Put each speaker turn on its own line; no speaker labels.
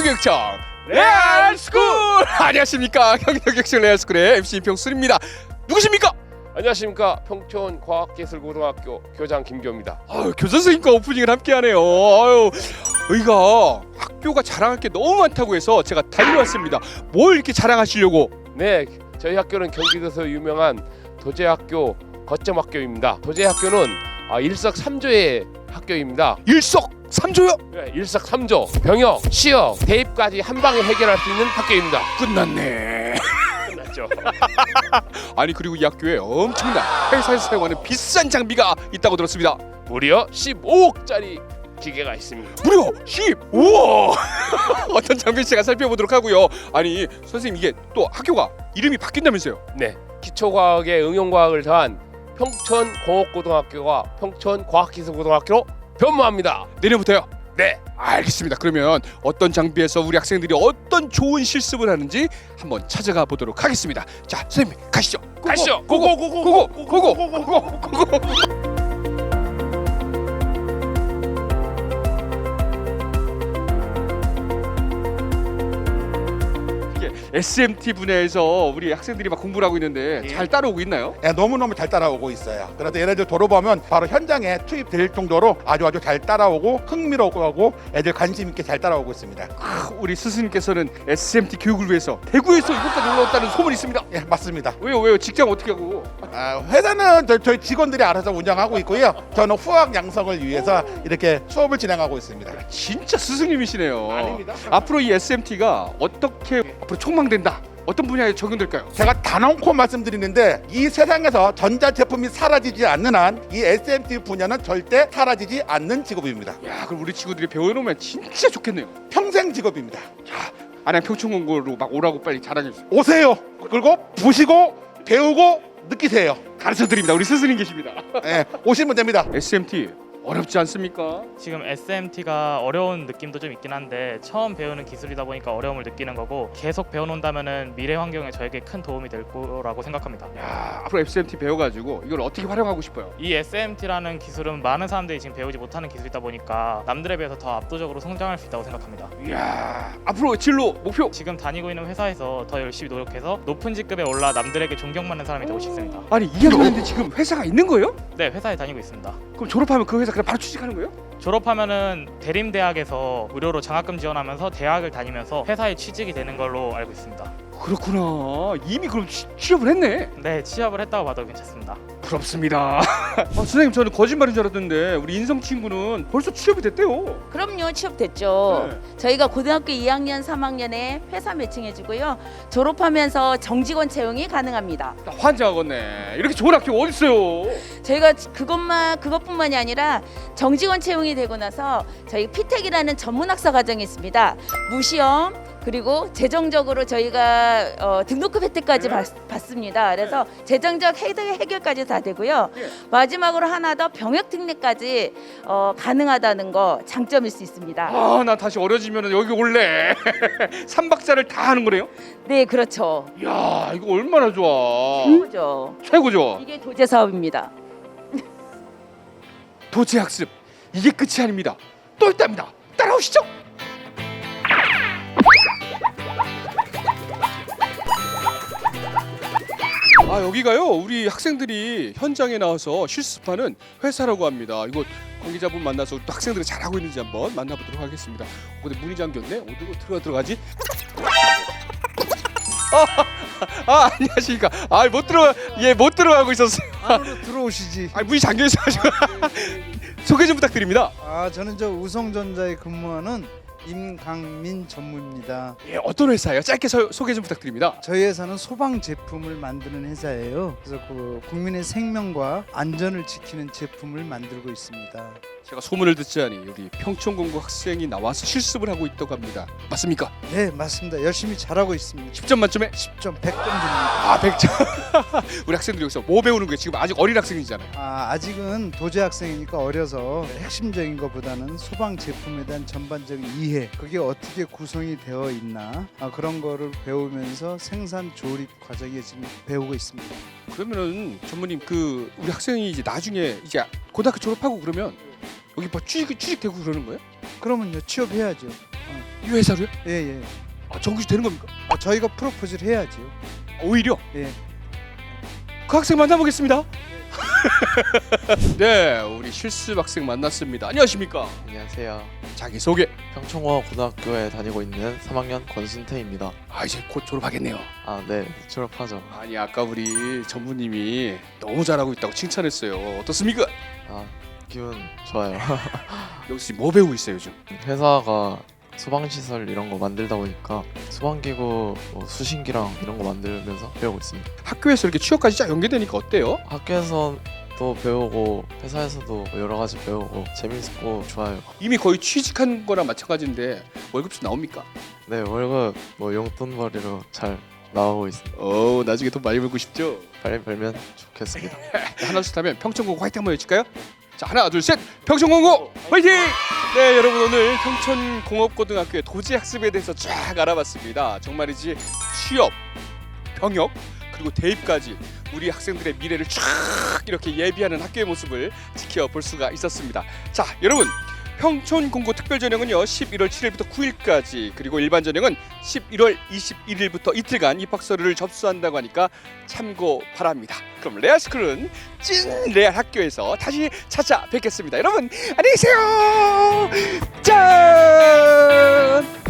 경기도교육청 레알스쿨! 안녕하십니까, 경기도교육청 레알스쿨의 MC 평순입니다. 누구십니까?
안녕하십니까, 평촌과학기술고등학교 교장 김교입니다.
교선생님과 오프닝을 함께하네요. 여기가 학교가 자랑할 게 너무 많다고 해서 제가 달려왔습니다. 뭘 이렇게 자랑하시려고?
네, 저희 학교는 경기도에서 유명한 도제학교 거점학교입니다. 도제학교는 일석삼조의 학교입니다.
일석삼조요?
네, 일석삼조, 병역, 취업, 대입까지 한 방에 해결할 수 있는 학교입니다.
끝났네.
끝났죠.
아니, 그리고 이 학교에 엄청난 회사에서 사용하는 비싼 장비가 있다고 들었습니다.
무려 15억짜리 기계가 있습니다.
무려 15억! 어떤 장비인지 제가 살펴보도록 하고요. 아니, 선생님, 이게 또 학교가 이름이 바뀐다면서요?
네, 기초과학에 응용과학을 더한 평촌공업고등학교가 평촌과학기술고등학교로 변모합니다.
내년부터요?
네,
알겠습니다. 그러면 어떤 장비에서 우리 학생들이 어떤 좋은 실습을 하는지 한번 찾아가 보도록 하겠습니다. 자, 선생님, 가시죠.
가시죠.
고고. SMT 분야에서 우리 학생들이 막 공부를 하고 있는데 잘 따라오고 있나요?
예, 너무너무 잘 따라오고 있어요. 그래서 얘네들 돌아보면 바로 현장에 투입될 정도로 아주 잘 따라오고 흥미롭고 하고 애들 관심 있게 잘 따라오고 있습니다.
우리 스승님께서는 SMT 교육을 위해서 대구에서 이곳까지 올라왔다는 소문이 있습니다.
예, 맞습니다.
왜요? 직장 어떻게 하고?
회사는 저희 직원들이 알아서 운영하고 있고요. 저는 후학 양성을 위해서 이렇게 수업을 진행하고 있습니다.
진짜 스승님이시네요.
아닙니다.
앞으로 이 SMT가 어떻게 앞으로 촉망된다? 어떤 분야에 적용될까요?
제가 단언코 말씀드리는데 이 세상에서 전자제품이 사라지지 않는 한 이 SMT 분야는 절대 사라지지 않는 직업입니다.
야, 그럼 우리 친구들이 배워놓으면 진짜 좋겠네요.
평생 직업입니다.
자, 안양 평촌공고로 막 오라고 빨리 자랑해주세요.
오세요. 그리고 보시고 배우고 느끼세요.
가르쳐드립니다. 우리 스승님 계십니다.
예, 오시면 됩니다.
SMT 어렵지 않습니까?
지금 SMT가 어려운 느낌도 좀 있긴 한데 처음 배우는 기술이다 보니까 어려움을 느끼는 거고 계속 배워놓는다면은 미래 환경에 저에게 큰 도움이 될 거라고 생각합니다.
야, 앞으로 SMT 배워가지고 이걸 어떻게 활용하고 싶어요?
이 SMT라는 기술은 많은 사람들이 지금 배우지 못하는 기술이다 보니까 남들에 비해서 더 압도적으로 성장할 수 있다고 생각합니다.
이야, 앞으로 진로 목표.
지금 다니고 있는 회사에서 더 열심히 노력해서 높은 직급에 올라 남들에게 존경받는 사람이 되고 싶습니다.
아니, 2학년 됐는데 지금 회사가 있는 거예요?
네, 회사에 다니고 있습니다.
그럼 졸업하면 그 회사 그냥 바로 취직하는 거예요?
졸업하면은 대림대학에서 무료로 장학금 지원하면서 대학을 다니면서 회사에 취직이 되는 걸로 알고 있습니다.
그렇구나. 이미 그럼 취업을 했네.
네, 취업을 했다고 봐도 괜찮습니다.
부럽습니다. 선생님, 저는 거짓말인 줄 알았는데 우리 인성 친구는 벌써 취업이 됐대요.
그럼요, 취업됐죠.
네.
저희가 고등학교 2학년, 3학년에 회사 매칭해주고요. 졸업하면서 정직원 채용이 가능합니다.
나 환장하겠네. 이렇게 좋은 학교 어디 있어요?
저희가 그것뿐만이 아니라 정직원 채용이 되고 나서 저희 피텍이라는 전문학사 과정이 있습니다. 무시험 그리고 재정적으로 저희가 등록금 혜택까지 받습니다. 그래서 재정적 해결까지 다 되고요.
예.
마지막으로 하나 더 병역 특례까지 가능하다는 거 장점일 수 있습니다.
아, 나 다시 어려지면 여기 올래. 3박자를 다 하는 거네요?
네, 그렇죠.
이야, 이거 얼마나 좋아.
최고죠.
최고죠.
이게 도제 사업입니다.
도체 학습, 이게 끝이 아닙니다. 또 있답니다. 따라오시죠. 여기가요, 우리 학생들이 현장에 나와서 실습하는 회사라고 합니다. 이거 관계자분 만나서 또 학생들이 잘하고 있는지 한번 만나보도록 하겠습니다. 근데 문이 잠겼네. 어디로 들어가지? 안녕하십니까. 못 들어가고 있었어요.
안으로 들어오시지.
문이 잠겨 있어가지고. 소개 좀 부탁드립니다.
저는 저 우성전자에 근무하는 임강민 전무입니다.
예, 어떤 회사예요? 짧게 소개 좀 부탁드립니다.
저희 회사는 소방 제품을 만드는 회사예요. 그래서 그 국민의 생명과 안전을 지키는 제품을 만들고 있습니다.
제가 소문을 듣자니 우리 평촌공고 학생이 나와서 실습을 하고 있다고 합니다. 맞습니까?
네, 맞습니다. 열심히 잘하고 있습니다.
10점 만점에
10점, 100점 줍니다.
100점. 우리 학생들이 여기서 뭐 배우는 거예요? 지금 아직 어린 학생이잖아요.
아직은 도제 학생이니까 어려서 핵심적인 것보다는 소방 제품에 대한 전반적인 이해, 그게 어떻게 구성이 되어 있나 그런 거를 배우면서 생산 조립 과정에 지금 배우고 있습니다.
그러면은 전무님, 우리 학생이 이제 나중에 이제 고등학교 졸업하고 그러면 여기 뭐 취직되고 그러는 거예요?
그러면요, 취업해야죠.
이 회사로요?
예.
정규직 되는 겁니까?
저희가 프로포즈를 해야지요.
오히려
예.
그 학생 만나보겠습니다. 네, 우리 실습 학생 만났습니다. 안녕하십니까?
안녕하세요.
자기 소개.
평촌고 고등학교에 다니고 있는 3학년 권순태입니다.
이제 곧 졸업하겠네요.
네, 졸업하죠.
아니 아까 우리 전무님이 너무 잘하고 있다고 칭찬했어요. 어떻습니까?
기분 좋아요.
여기서 지금 뭐 배우고 있어요 요즘?
회사가 소방시설 이런 거 만들다 보니까 소방기구, 수신기랑 이런 거 만들면서 배우고 있습니다.
학교에서 이렇게 취업까지 쫙 연계되니까 어때요?
학교에서도 배우고 회사에서도 여러 가지 배우고 재밌고 좋아요.
이미 거의 취직한 거랑 마찬가지인데 월급도 나옵니까?
네, 월급 용돈벌이로 잘 나오고 있습니다.
나중에 돈 많이 벌고 싶죠?
빨리 벌면 좋겠습니다.
하나 둘 하면 평촌공고 화이팅 한번 해줄까요? 자 하나 둘 셋 평촌공고 화이팅! 네 여러분 오늘 평촌공업고등학교의 도제학습에 대해서 쫙 알아봤습니다. 정말이지 취업, 병역 그리고 대입까지 우리 학생들의 미래를 쫙 이렇게 예비하는 학교의 모습을 지켜볼 수가 있었습니다. 자 여러분 평촌공고 특별전형은요 11월 7일부터 9일까지 그리고 일반 전형은 11월 21일부터 이틀간 입학서류를 접수한다고 하니까 참고 바랍니다. 그럼 레알스쿨은 찐 레알 학교에서 다시 찾아뵙겠습니다. 여러분 안녕히 계세요. 짠.